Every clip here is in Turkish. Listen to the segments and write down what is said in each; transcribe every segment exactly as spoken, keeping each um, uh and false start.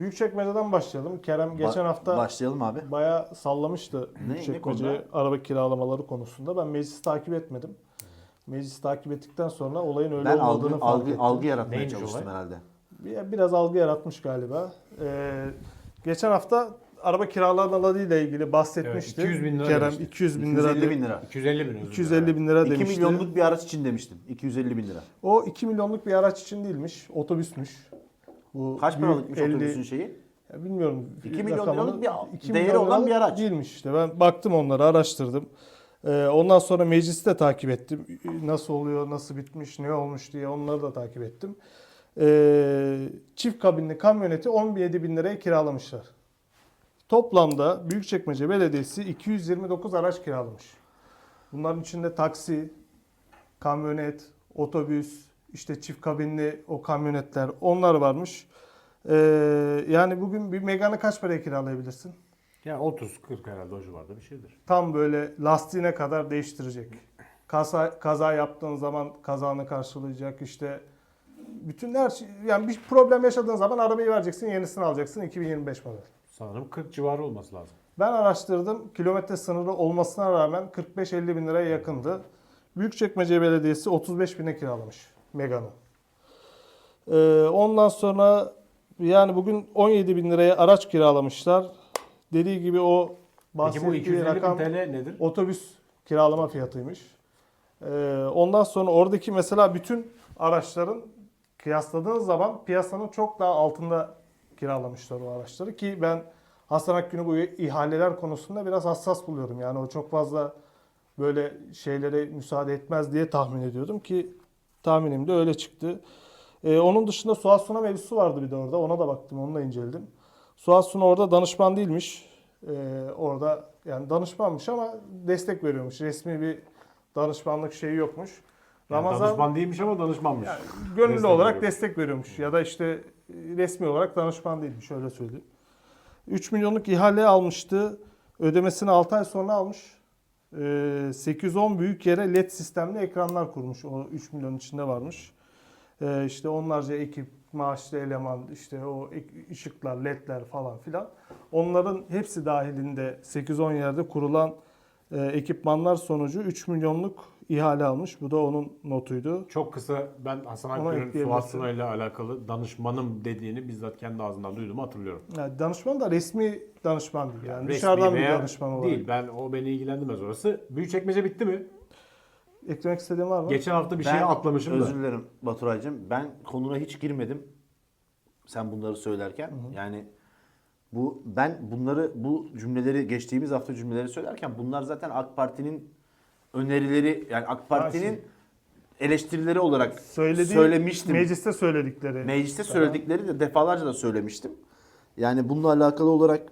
Büyükçekmece'den başlayalım. Kerem geçen Ba- hafta başlayalım abi. bayağı sallamıştı Ne- ne Büyükçekmece konuda? araba kiralamaları konusunda. Ben meclisi takip etmedim. Meclisi takip ettikten sonra olayın öyle Ben olmadığını algı fark algı ettim. algı yaratmaya Neymiş çalıştım olay? herhalde. Bir- Biraz algı yaratmış galiba. Ee, geçen hafta araba kiralamaları ile ilgili bahsetmişti. Evet, iki yüz bin lira Kerem demişti. iki yüz bin iki yüz lira elli de- bin lira. iki yüz elli bin. özür iki yüz dilerim. elli bin lira iki demişti. milyonluk bir araç için demiştim. iki yüz elli bin lira. O iki milyonluk bir araç için değilmiş. Otobüsmüş. Bu Kaç büyük paralıkmış elli otobüsün şeyi? Ya bilmiyorum. iki milyon rakamını. liralık bir iki değeri milyon olan bir liralık araç. Değilmiş işte. Ben baktım onları, araştırdım. Ee, ondan sonra meclisi de takip ettim. Nasıl oluyor, nasıl bitmiş, ne olmuş diye onları da takip ettim. Ee, çift kabinli kamyoneti on yedi bin liraya kiralamışlar. Toplamda Büyükçekmece Belediyesi iki yüz yirmi dokuz araç kiralamış. Bunların içinde taksi, kamyonet, otobüs, işte çift kabinli o kamyonetler, onlar varmış. Ee, yani bugün bir Megane'ı kaç paraya kiralayabilirsin? Yani otuz kırk herhalde o civarda bir şeydir. Tam böyle lastiğine kadar değiştirecek. Kaza, kaza yaptığın zaman kazanı karşılayacak, işte bütün her şey, yani bir problem yaşadığın zaman arabayı vereceksin, yenisini alacaksın, iki bin yirmi beş model. Sanırım kırk civarı olması lazım. Ben araştırdım. Kilometre sınırı olmasına rağmen kırk beş elli bin liraya yakındı. Büyükçekmece Belediyesi otuz beş bine kiralamış Megane'ı. Ee, ondan sonra yani bugün on yedi bin liraya araç kiralamışlar. Dediği gibi o Peki bu bahsettiği iki yüz elli bin rakam T L nedir? otobüs kiralama fiyatıymış. Ee, ondan sonra oradaki mesela bütün araçların kıyasladığınız zaman piyasanın çok daha altında kiralamışlar o araçları ki ben Hasan Akgün'ü bu ihaleler konusunda biraz hassas buluyorum. Yani o çok fazla böyle şeylere müsaade etmez diye tahmin ediyordum ki tahminim de öyle çıktı. Ee, onun dışında Suat Suna mevzusu vardı bir de orada. Ona da baktım, onu da inceledim. Suat Suna orada danışman değilmiş. Ee, orada yani danışmanmış ama destek veriyormuş. Resmi bir danışmanlık şeyi yokmuş. Yani Ramazan danışman değilmiş ama danışmanmış. yani gönüllü Destek olarak veriyor. destek veriyormuş ya da işte e, resmi olarak danışman değilmiş, öyle söyleyeyim. üç milyonluk ihale almıştı. Ödemesini altı ay sonra almış. Ee, sekiz yüz on büyük yere led sistemli ekranlar kurmuş. O üç milyon içinde varmış. Ee, işte onlarca ekip, maaşlı eleman, işte o ek- ışıklar, ledler falan filan. Onların hepsi dahilinde sekiz on yerde kurulan e, ekipmanlar sonucu üç milyonluk ihale almış. Bu da onun notuydu. Çok kısa ben Hasan Ona Akgün'ün ekleyebilirsin. Suat Suna ile alakalı danışmanım dediğini bizzat kendi ağzından duyduğumu hatırlıyorum. Yani danışman da resmi danışman değil. Yani Resmi dışarıdan bir veya danışman olarak. değil. Ben o beni ilgilendirmez orası. Büyükçekmece bitti mi? Eklemek istediğin var mı? Geçen hafta bir Ben şey atlamışım da. özür dilerim Baturay'cığım. Ben konuna hiç girmedim. Sen bunları söylerken. Yani bu ben bunları bu cümleleri geçtiğimiz hafta cümleleri söylerken bunlar zaten AK Parti'nin önerileri, yani AK Parti'nin şimdi- eleştirileri olarak Söylediği, söylemiştim. Mecliste söyledikleri. Mecliste söyledikleri de defalarca da söylemiştim. Yani bununla alakalı olarak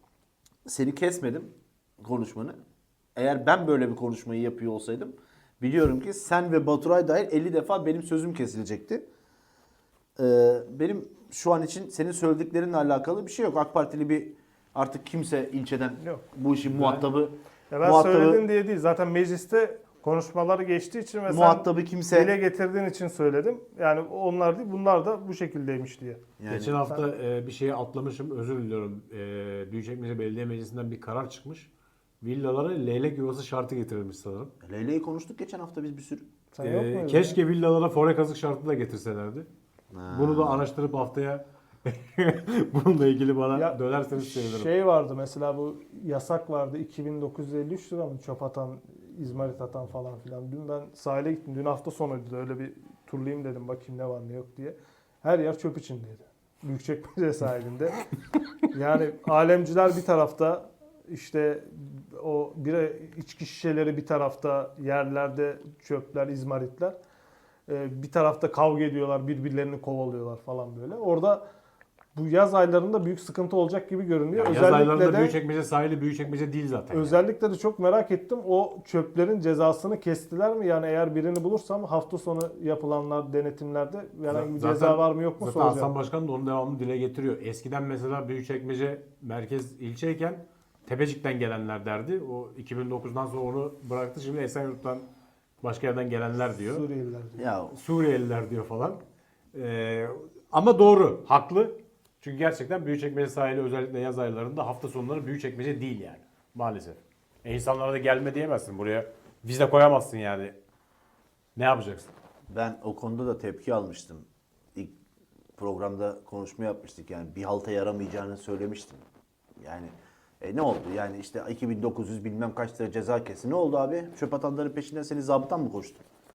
seni kesmedim konuşmanı. Eğer ben böyle bir konuşmayı yapıyor olsaydım biliyorum ki sen ve Baturay dahil elli defa benim sözüm kesilecekti. Ee, benim şu an için senin söylediklerinle alakalı bir şey yok. AK Partili bir artık kimse ilçeden Yok. bu işin muhatabı Ya ben muhatabı, söyledim diye değil. Zaten mecliste konuşmaları geçtiği için ve muhatabı sen kimse dile getirdiğin için söyledim. Yani onlar değil, bunlar da bu şekildeymiş diye. yani Geçen hafta e, bir şeyi atlamışım. Özür diliyorum. E, Büyükçekmece Belediye Meclisi'nden bir karar çıkmış. Villalara leylek yuvası şartı getirilmiş sanırım. Leyle'yi konuştuk geçen hafta biz bir sürü. Sen yok E, muydun keşke villalara fore kazık şartı da getirselerdi. Ha. Bunu da araştırıp haftaya bununla ilgili bana Ya, dönerseniz sevinirim. Şey vardı mesela, bu yasak vardı, iki bin dokuz yüz elli üç lira mı çöp atan, izmarit atan falan filan. Dün ben sahile gittim. Dün hafta sonuydu da öyle bir turlayayım dedim, bakayım ne var ne yok diye. Her yer çöp içindeydi. Büyükçekmece sahilinde. Yani alemciler bir tarafta, işte o bira içki şişeleri bir tarafta, yerlerde çöpler, izmaritler. Ee, bir tarafta kavga ediyorlar, birbirlerini kovalıyorlar falan böyle. Orada bu yaz aylarında büyük sıkıntı olacak gibi görünüyor. Yani yaz aylarında Özellikle de Büyükçekmece sahili Büyükçekmece değil zaten. yani. özellikle de çok merak ettim. O çöplerin cezasını kestiler mi? Yani eğer birini bulursam hafta sonu yapılanlar, denetimlerde herhangi bir Zaten- ceza var mı yok mu Zaten soracağım. Hasan Başkan da onun devamını dile getiriyor. Eskiden mesela Büyükçekmece merkez ilçeyken Tepecik'ten gelenler derdi. O iki bin dokuzdan sonra onu bıraktı. Şimdi Esenyurt'tan başka yerden gelenler diyor. Suriyeliler diyor. Ya Suriyeliler diyor falan. Ee, ama doğru, haklı. Çünkü gerçekten Büyükçekmece sahili özellikle yaz aylarında hafta sonları Büyükçekmece değil yani. Maalesef. E insanlara da gelme diyemezsin buraya. Vize koyamazsın yani. Ne yapacaksın? Ben o konuda da tepki almıştım. İlk programda konuşma yapmıştık yani bir halta yaramayacağını söylemiştim. Yani e, ne oldu? Yani işte iki bin dokuz yüz bilmem kaç lira ceza kesti. Ne oldu abi? Çöp atanların peşinden seni zabıtan mı koştu?